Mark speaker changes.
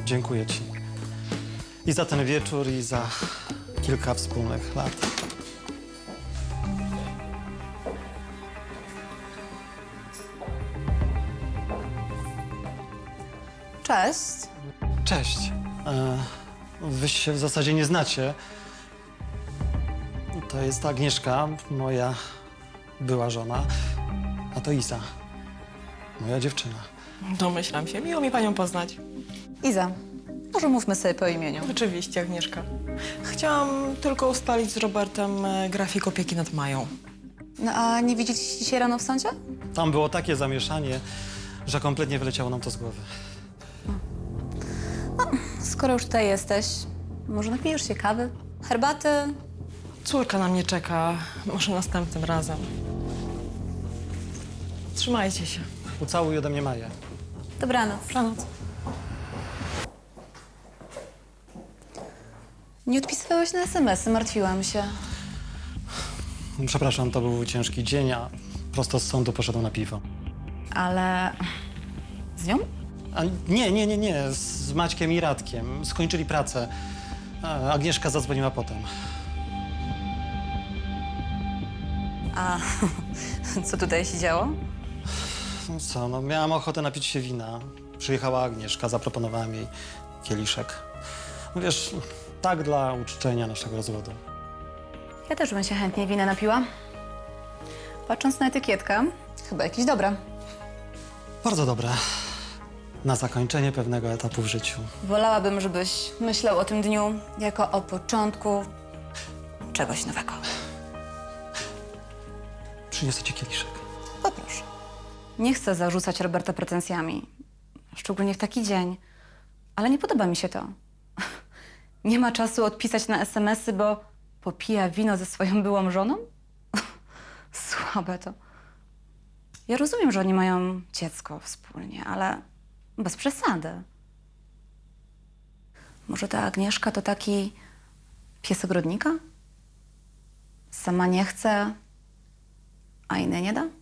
Speaker 1: Dziękuję ci. I za ten wieczór, i za kilka wspólnych lat.
Speaker 2: Cześć.
Speaker 1: Cześć. Wy się w zasadzie nie znacie. To jest Agnieszka, moja była żona, a to Iza, moja dziewczyna.
Speaker 3: Domyślam się. Miło mi panią poznać.
Speaker 2: Iza, może mówmy sobie po imieniu.
Speaker 3: Oczywiście, Agnieszka. Chciałam tylko ustalić z Robertem grafik opieki nad Mają.
Speaker 2: No a nie widzieliście dzisiaj rano w sądzie?
Speaker 1: Tam było takie zamieszanie, że kompletnie wyleciało nam to z głowy.
Speaker 2: Skoro już tutaj jesteś, może napijesz się kawy, herbaty?
Speaker 3: Córka na mnie czeka. Może następnym razem. Trzymajcie się.
Speaker 1: Ucałuj ode mnie Maję.
Speaker 2: Dobranoc.
Speaker 3: Dobranoc.
Speaker 2: Nie odpisywałeś na SMS-y, martwiłam się.
Speaker 1: Przepraszam, to był ciężki dzień, a prosto z sądu poszedłem na piwo.
Speaker 2: Ale z nią?
Speaker 1: A nie, z Maćkiem i Radkiem. Skończyli pracę. A Agnieszka zadzwoniła potem.
Speaker 2: A co tutaj się działo?
Speaker 1: No co, no miałam ochotę napić się wina. Przyjechała Agnieszka, zaproponowałem jej kieliszek. No wiesz, tak dla uczczenia naszego rozwodu.
Speaker 2: Ja też bym się chętnie wina napiła. Patrząc na etykietkę, chyba jakieś dobre.
Speaker 1: Bardzo dobre. Na zakończenie pewnego etapu w życiu.
Speaker 2: Wolałabym, żebyś myślał o tym dniu jako o początku czegoś nowego.
Speaker 1: Przyniosę ci kieliszek.
Speaker 2: Poproszę. Nie chcę zarzucać Roberta pretensjami, szczególnie w taki dzień, ale nie podoba mi się to. Nie ma czasu odpisać na SMS-y, bo popija wino ze swoją byłą żoną? Słabe to. Ja rozumiem, że oni mają dziecko wspólnie, ale bez przesady. Może ta Agnieszka to taki pies ogrodnika? Sama nie chce, a innej nie da?